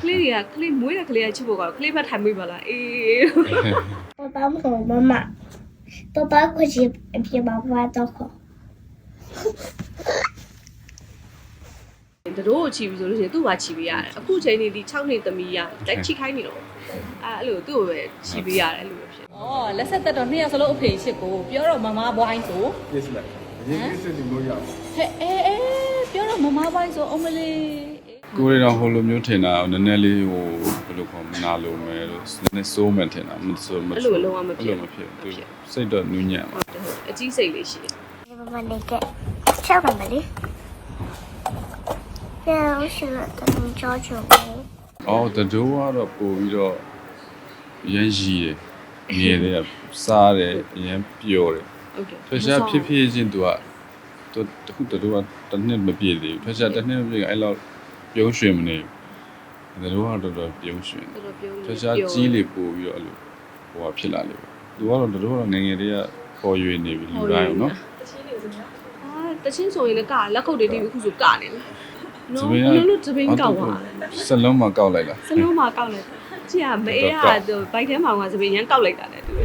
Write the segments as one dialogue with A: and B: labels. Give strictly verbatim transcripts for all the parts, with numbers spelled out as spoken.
A: ကလေးတွေကကလေးမွေးတဲ့ကလေးကချစ်ဖို့ကတော့ကလေးဘက်ထိုင်မိပါလားအေး
B: 爸爸和妈妈爸爸快去陪爸爸到口
A: တို့ချီပြီဆိုလို့ရှိရင်သူ့ဘာချီပေးရတယ်အခုချိန်နေဒီ၆နှစ်သမီးရတိုက်ချီခိုင်းနေတော့အဲအဲ့လိုသူ့ကိုပဲချီပေးရတယ်အဲ့လိုပဲဖြစ်
C: ။အော်လက်ဆက်သက်တော့နှစ်ယောက်စလုံးအဖေချစ်ကိုပြောတော့မမဘွိုင်းဆို
D: Yes ma'am အရင်ကစစ်ဒီလိုရအောင်
C: ဟဲ့အေးအေးပြောတော့မမဘွိုင်းဆိုအမလေး
E: ကိုရီတော့ဟိုလိုမျိုးထင်တာနည်းနည်းလေးဟိုဘယ်လိုခေါ်မနာလိုမယ်လို့နည်းနည်းစိုးမှထင်တာမစိုးမ
A: အဲ့လိုလုံးဝမဖြစ်
E: မဖြစ်သူစိတ်တော့နူးညံ့ပါ
A: အကြီးစိတ်လေးရှိတယ်
B: 爸爸那个跳了没哩然后是等你教教我
E: အော်တဒိုးကတော့ပို့ပြီးတော့ရမ်းရှိတယ်မြင်တယ်စားတယ်ရမ်းပျော်တယ်
A: ဟုတ်ကဲ့
E: ထွက်ရှားဖြစ်ဖြစ်ချင်းသူကသူတခုတဒိုးကတစ်နှစ်မပြည့်သေးဘူးထွက်ရှားတစ်နှစ်မပြည့်အဲ့လောက်ပြုံးရွှင်မနေဘူးတဒိုးကတော့တော်တော်ပြုံးရွှင်
A: တော်တော်ပြုံး
E: ထွက်ရှားကြီးလေပို့ပြီးတော့အဲ့လိုဟိုဟာဖြစ်လာလေပေါ့သူကတော့တဒိုးကတော့ငငယ်တွေကပေါ်ရွေနေပြီလူတိုင်းအောင်နော်
A: အာတချင်းဆိုရင်လည်းကလက်ကုပ်တွေတီးပြီးခုဆိုကနေတယ်နော်ဘယ်လိုသပင်းကောက်သွားလဲ
E: စလုံးမှာကောက်လိုက်လား
A: စလုံးမှာကောက်လိုက်ကြည့်ရမအေးကသူဘိုက်ထဲမှာကသပင်းရမ်းကောက်လိုက်တာလေသူ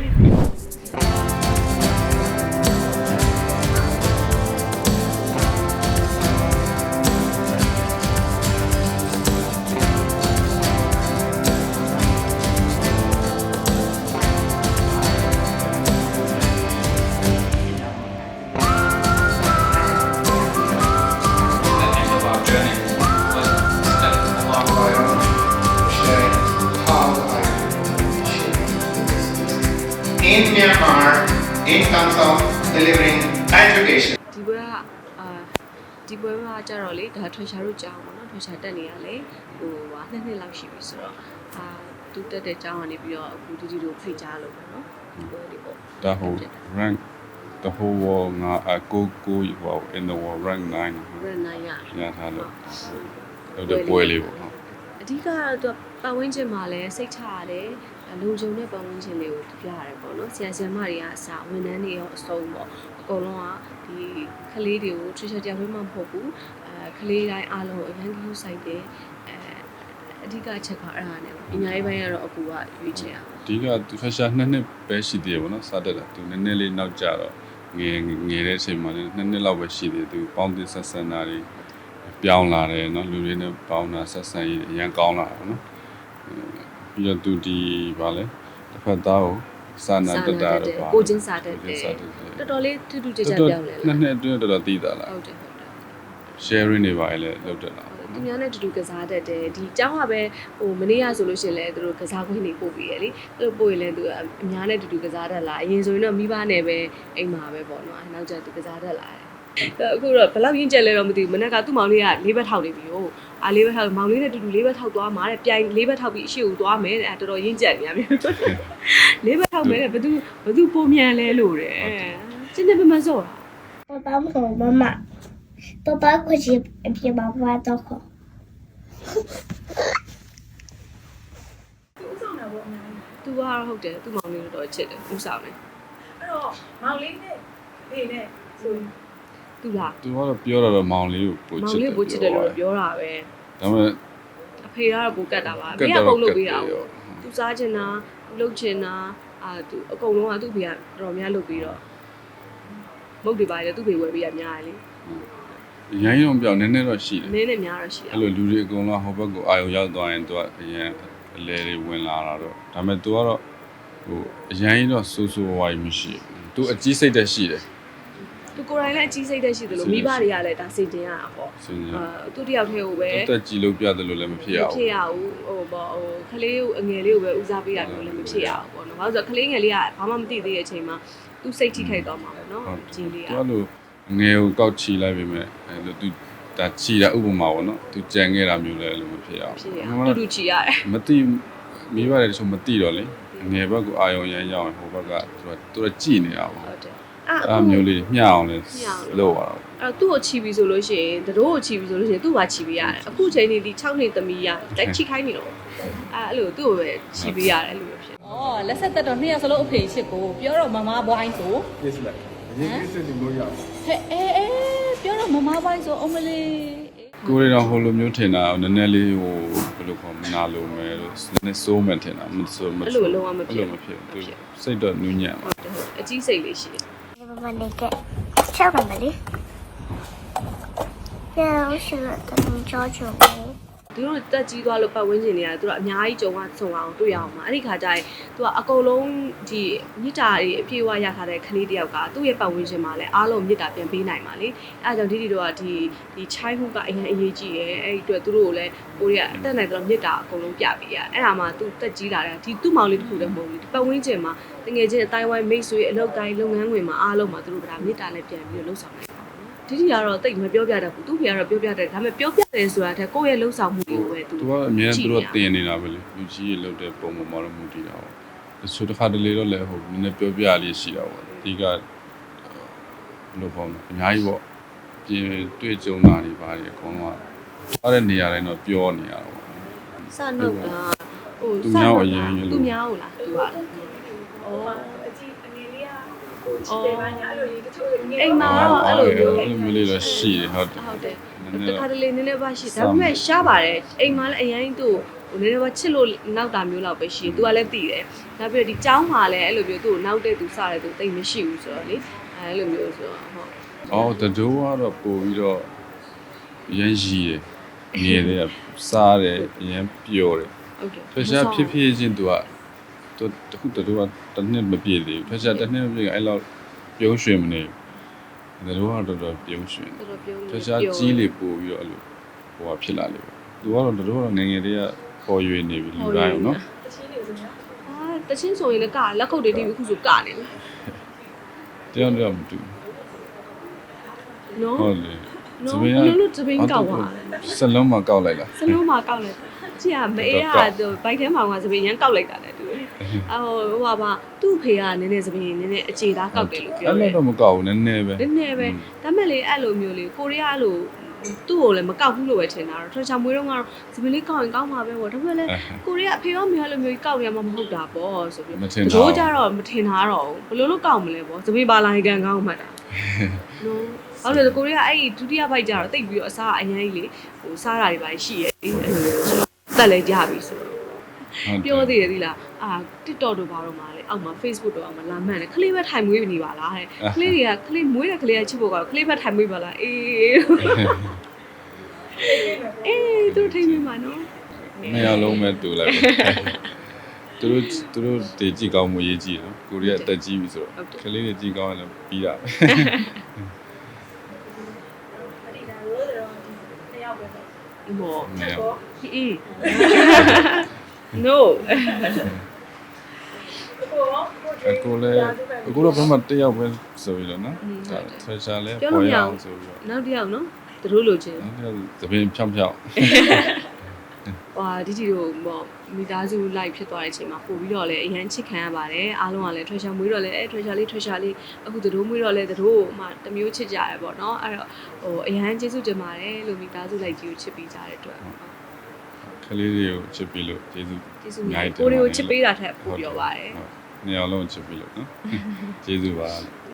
F: in Myanmar in terms of delivering education.
A: ဒီဘက်ကအာဒီဘက်မှာကြတော့လေဒါထွေရှာတို့ကြောင်းပေါ့နော်ထွေရှာတက်နေရလေဟိုဟာနှစ်နှစ်လောက်ရှိပြီဆိုတော့အာသူတက်တဲ့ကြောင်းကနေပြီးတော့အခုဒီဒီတို့ဖိတ်ကြားလို့ပေါ့နော်ဒီဘက်ဒီပေါ့
E: ဒါဟို rank the whole world ငါအကိုကိုဟို in the world rank nine
A: ရနိုင်ရ
E: ရထားလို့ဟုတ်တယ်ပွဲလေးပေါ့ဟုတ်
A: အဓိကတော့သူပတ်ဝန်းကျင်မှာလည်းစိတ်ချရတယ်လုံခြုံတဲ့ပတ်ဝန်းကျင်လေးကိုပြရတယ်ပေါ့နော်ဆရာဆရာမတွေကအစားဝန်ထမ်းတွေရောအစုံပေါ့အကုန်လုံးကဒီကလေးတွေကို teacher တရားဝင်မှမဟုတ်ဘူးအဲကလေးတိုင်းအားလုံးအရန်ကူးဆိုင်တယ်အဲအဓိကချက်ကအဲ့ဒါနဲ့ပညာရေးပိုင်းကတော့အကူကရွေးချယ်ရအောင်
E: အဓိကသူဖက်ရှာနှစ်နှစ်ပဲရှိသေးတယ်ပေါ့နော်စတက်တာသူနည်းနည်းလေးနောက်ကျတော့ငယ်ငယ်တဲ့အချိန်မှာလည်းနှစ်နှစ်လောက်ပဲရှိသေးတယ်သူပေါင်းသစ်ဆက်ဆံတာတွေပြောင်းလာတယ်နော်လူတွေနဲ့ပေါင်းတာဆက်ဆံရေးအရင်ကောင်းလာတယ်နော်ပြီးတော့သူဒီဗာလဲတစ်ဖက်သားကိုစာနာတတ်တာတော့ပါ
A: ကိုချင်းစာတတ်တယ်တော်တော်လေးထူးထူးခြားခြားပြောင်းလဲလား
E: နှစ်နှစ်အတွင်းတော်တော်သိတာလား
A: ဟုတ်တယ်ဟုတ်တယ်
E: sharing တွေပါလေလောက်တက်လာ
A: သူများနဲ့တူတူကစားတတ်တယ်ဒီเจ้าကပဲဟိုမနေ့ကဆိုလို့ရှိရင်လည်းသူတို့ကစားခွင့်တွေပို့ပြီးရလေသူတို့ပို့ရင်လည်းသူအများနဲ့တူတူကစားတတ်လာအရင်ဆိုရင်တော့မိဘနဲ့ပဲအိမ်မှာပဲပေါ့နော်အဲနောက်ကျသူကစားတတ်လာတယ်အခုတော့ဘယ်လောက်ရင်းကျက်လဲတော့မသိဘူးမနေ့ကသူ့မောင်လေးကလေးဘက်ထောက်နေပြီဟိုအာလေးဘက်ထောက်မောင်လေးနဲ့တူတူလေးဘက်ထောက်သွားမှာတဲ့ပြိုင်လေးဘက်ထောက်ပြီးအရှိကိုသွားမယ်တဲ့အဲတော်တော်ရင်းကျက်နေရပြီလေးဘက်ထောက်မယ်တဲ့ဘသူဘသူပုံမြန်လဲလို့တဲ့ကျင်းနေပမစောတာ
B: 爸爸和妈妈爸爸快去陪爸爸到口
A: သူကတော့ဟုတ်တယ်သူ့မောင်လေးတော့ချစ်တယ်ဥဆောင်တယ်
C: အဲ့တော့မောင်လေးနဲ့ဖေနဲ့ဆိုရင်
A: သူလား
E: သူကတော့ပြောတော့မောင်လေးကိုပို့
A: မော
E: ချ
A: င်
E: စ်တယ်
A: လေးပိုချစ်တယ်လို့ပြောတာပဲ
E: ဒါပေမဲ့
A: အဖေကတော့ပိုကတ်တာပါဖေကပုံလုပ်ပေးတာသူစားချင်တာလှုပ်ချင်တာအာသူအကုန်လုံးကသူ့ဖေကတော်များလုပ်ပြီးတော့မုတ်တွေပါလေသူ့ဖေဝယ်ပေးရများလေ
E: ရိုင်းရုံပြောင်းနည်းနည်းတော့ရှိတယ်
A: နည်းနဲ့များတော့ရှိတယ်
E: အဲ့လိုလူတွေအကုန်လုံးဟိုဘက်ကိုအာရုံရောက်သွားရင်သူကအရင်အလဲတွေဝင်လာတာတော့ဒါပေမဲ့သူကတော့ဟိုအရင်တော့ဆူဆူဝိုင်းမရှိဘူးသူအကြီးစိတ်တက်ရှိတယ်
A: သူကိုယ်တိုင်လည်းအကြီးစိတ်တက်ရှိတယ်လို့မိဘတွေကလည်းဒါစင်တင်ရတာပေါ့အာသူတယောက်တည်းကိုပဲ
E: တက်ကြည်လို့ပြတယ်လို့လည်းမဖြစ်ရ
A: မ
E: ဘူး
A: ဖြစ်ရဘူးဟိုပေါ့ဟိုကလေးကိုအငယ်လေးကိုပဲဦးစားပေးတာမျိုးလည်းမဖြစ်ရဘူးပေါ့နော်ဘာလို့ဆိုတော့ကလေးငယ်လေးကဘာမှမသိသေးတဲ့အချိန်မှာသူစိတ်ထိခိုက်သွားမှာပေါ့နော်ဂျင်းလေးက
E: သူကလို့ငယ်ကိုကောက်ချီလိုက်ပြီမဲ့အဲ့လိုသူဒါချီတာဥပမာပေါ့နော်သူကြံခဲ့တာမျိုးလည်းလို့မဖြစ်ရဘူး
A: ဖြစ်ရတူတူချီရတယ်
E: မသိမိပါတယ်ဆိုမသိတော့လေငယ်ဘက်ကိုအာရုံရမ်းရောက်ရင်ဟိုဘက်ကသူကသူကကြည်နေတာပေါ့
A: ဟုတ်တယ်
E: အဲ့မျိုးလေးမျှအောင်လဲလို့ပါတော့
A: အဲ့သူ့ကိုချီပြီဆိုလို့ရှိရင်တို့ကိုချီပြီဆိုလို့ရှိရင်သူ့ဘာချီပေးရတယ်အခုချိန်နေဒီ၆နှစ်သမီးရတိုက်ချီခိုင်းနေတော့အဲ့အဲ့လိုသူ့ကိုပဲချီပေးရတယ်အဲ့လိုပဲဖြစ်
C: ။အော်လက်ဆက်သက်တော့နှစ်ယောက်စလုံးအဖေချစ်ကိုပြောတော့မမဘွိုင်းဆို
D: Yes ma'am အရင်ကစစ်ဒီလိုရအောင်
C: ဟဲ့အေးအေးပြောတော့မမဘွိုင်းဆိုအမလေး
E: ကိုရီတော့ဟိုလိုမျိုးထင်တာနည်းနည်းလေးဟိုဘယ်လိုခေါ်မနာလို့မယ်လို့နည်းနည်းစိုးမှထင်တာမစိုးမ
A: အဲ့လိုလုံးဝမဖြစ်
E: မဖြစ်သူစိတ်တော့နူးညံ့ပါ
A: ဟုတ်တယ်ဟုတ်တယ်အကြီးစိတ်လေးရှိတယ်
B: 爸爸那个小妹妹的，然后是他们家就没。
A: သူတို့တက်ကြီးသွားလို့ပတ်ဝန်းကျင်တွေကသူတို့အများကြီးကြုံရဆုံအောင်တွေ့ရအောင်ပါအဲ့ဒီခါကျရင်သူကအကုန်လုံးဒီမြစ်တာတွေအပြည့်အဝရထားတဲ့ကလေးတယောက်ကသူ့ရဲ့ပတ်ဝန်းကျင်မှာလည်းအားလုံးမြစ်တာပြန်ပေးနိုင်ပါလေအဲ့ဒါကြောင့်ဒီဒီတို့ကဒီဒီ childhood ကအရင်အရေးကြီးတယ်အဲ့ဒီအတွက်သူတို့ကိုလည်းကိုရီးယားအတက်နိုင်တော့မြစ်တာအကုန်လုံးပြပေးရအဲ့ဒါမှသူတက်ကြီးလာတယ်ဒီသူ့မောင်လေးတစ်ခုတည်းမဟုတ်ဘူးဒီပတ်ဝန်းကျင်မှာတကယ်ချင်းအတိုင်းဝိုင်းမိတ်ဆွေအလုပ်တိုင်းလုပ်ငန်းဝင်မှာအားလုံးမှာသူတို့ကမြစ်တာလည်းပြန်ပြီးလှုပ်ဆောင်နိုင်ဒီဒီကတော့တိတ်မပြောပြတတ်ဘူးသူ့ဖေကတော့ပြောပြတတ်တယ်ဒါပေမဲ့ပြောပြတယ်ဆိုတာတဲ့ကိုယ့်ရဲ့လှုပ်ဆောင်မှုတွေကိုပဲသူ
E: သူကအများသူတို့တင်နေတာပဲလေလူကြီးရေလောက်တဲ့ပုံပေါ်မှာတော့မူတည်တာပေါ့တချို့တစ်ခါတလေတော့လည်းဟိုနည်းနည်းပြောပြလေးရှိတာပေါ့ဒီကဘယ်လိုပေါ့အများကြီးပေါ့ပြင်တွေ့ကြုံတာတွေပါတယ်အကုန်လုံးကထားတဲ့နေရာတိုင်းတော့ပြောနေရတာပေါ့
A: စနှုတ်ကဟို
E: သူများကိုအရင်ရလို့
A: သူများဟုတ်လားသူကဩအကြီးအငယ်လေးကကိုချစ်တယ်ပါညာအဲ့လိုတချို့အိမ်မှာတော့အဲ့လိုမျိုး
E: အဲ့လိုမျိုးလေးတော့ရှိတယ်ဟုတ်တယ်
A: ဟုတ်တယ်
E: နည်းနည်း
A: တခါတလေနည်းနည်းပါရှိဒါပေမဲ့ရှားပါတယ်အိမ်မှာလည်းအရင်သူ့ဟိုနည်းနည်းပါချစ်လို့နောက်တာမျိုးလောက်ပဲရှိတယ်သူကလည်းတည်တယ်နောက်ပြီးတော့ဒီចောင်းမှာလည်းအဲ့လိုမျိုးသူ့ကိုနောက်တဲ့သူစတဲ့သူတိတ်မရှိဘူးဆိုတော့လေအဲ့လိုမျိုးဆိုတော့ဟုတ်
E: အော်တတိုးကတော့ပို့ပြီးတော့ရမ်းရှိတယ်နေတယ်စားတယ်ရမ်းပျော်တယ်
A: ဟုတ်တယ်
E: ဖက်ရှားဖြစ်ဖြစ်ချင်းသူကသူတခုတတိုးကတစ်နှစ်မပြည့်သေးဘူးဖက်ရှားတစ်နှစ်မပြည့်အဲ့လောက်ပြုံးရွှင်မနေဘူးတတိုးကတော့တော်တော်ပြုံးရွှင်
A: တော်တော်ပြုံး
E: ဖက်ရှားကြီးလေပို့ပြီးတော့အဲ့လိုဟိုဟာဖြစ်လာလေသူကတော့တတိုးကတော့ငငယ်တွေကပေါ်ရွေနေပြီလူတိုင်းနော်
A: အာတချင်းဆိုရင်လည်းကလက်ခုပ်တွေတီးပြီးခုဆိုကနေပြီ
E: တရားတရားမတူ
A: နော်
E: ဟုတ်လေ
A: နော်ဘယ်လိုလုပ်တပင်းကောက်သွားလဲ
E: စလုံးမှာကောက်လိုက်လား
A: စလုံးမှာကောက်လိုက်တာကြည့်ရမအေးကသူဘိုက်ထဲမှာကစပင်းရမ်းကောက်လိုက်တာလေသူအဟိုဟိုပါပါသူ့ဖေကနည်းနည်းစပင်းနည်းနည်းအခြေသားကောက်တယ်လို့ပြောတယ်
E: အဲ့လိုတော့မကောက်ဘူးနည်းနည်းပဲ
A: နည်းနည်းပဲဒါမဲ့လေအဲ့လိုမျိုးလေကိုရီးယားလိုသူ့ကိုလည်းမကောက်ဘူးလို့ပဲထင်တာတော့ထွန်ချာမွေးတော့ကတော့စပင်းလေးကောက်ရင်ကောက်မှာပဲပေါ့ဒါပေမဲ့လေကိုရီးယားအဖေရောမေရောလိုမျိုးကောက်ရမှာမဟုတ်တာပေါ့ဆိုပြီးတို့ကြတော့မထင်တာတော့ဘယ်လိုလုပ်ကောက်မလဲပေါ့စပင်းပါလာရင်ကန်ကောက်မှတ်တာနော်ဟုတ်တယ်ကိုရီးယားအဲ့ဒီဒုတိယဘိုက်ကြတော့တိတ်ပြီးတော့အစားအရင်ကြီးလေဟိုစားတာတွေပါရှိရဲ့အဲ့လိုတက်လဲကြပြီဆိုတော့ပြောသေးတယ်သီလားအာ TikTok တို့ဘာတော့မှာလဲအောက်မှာ Facebook တို့အောက်မှာလာမှန်တယ်ခလေးပဲထိုင်မွေးနေပါလားတဲ့ခလေးတွေကခလေးမွေးတဲ့ခလေးကချစ်ဖို့ကတော့ခလေးပဲထိုင်မွေးပါလားအေးအေးသူထိုင်မွေးပါနော်
E: နှစ်ယောက်လုံးပဲတူလိုက်ပဲသူတို့သူတို့တည်ကြည့်ကောင်းမှုရေးကြည့်နော်ကိုရီးယားတက်ကြည့်ပြီဆိုတော့ကလေးတွေကြည့်ကောင်းရင်လည်းပြီးတာပဲ
A: မော
E: နှစ်ယောက်
A: အေး no
E: အခုလည်းအခုတော့ဘာမှတစ်ယောက်ပဲဆိုပြီးတော့နော်ဒါဆွဲချာလဲပေါ်ရအောင်ဆိုပြီးတော့
A: နောက်တစ်ယောက်နော်သူတို့လိုချင်
E: နောက်တစ်ယောက်သပင်ဖြောင်းဖြောင်း
A: ဟွာဒီဒီတို့ပေါ့မိသားစု live ဖြစ်သွားတဲ့အချိန်မှာပို့ပြီးတော့လည်းအရန်ချစ်ခံရပါတယ်အားလုံးကလည်း treasure မွေးတော့လည်းအဲ treasure လေး treasure လေးအခုသူတို့မွေးတော့လည်းသူတို့မှတမျိုးချစ်ကြရပေါ့နော်အဲ့တော့ဟိုအရန်ကျေးဇူးတင်ပါတယ်လို့မိသားစု live ကြီးကိုချစ်ပေးကြတဲ့အတွက်
E: ကလေးတွေကိုချစ်ပြီးလို့ကျေးဇူး
A: ကျေးဇူးများကိုတွေကိုချစ်ပေးတာထက်ပိုပြောပါတယ်
E: နှစ်ယောက်လုံးချစ်ပြီးလို့နော်ကျေးဇူးပါ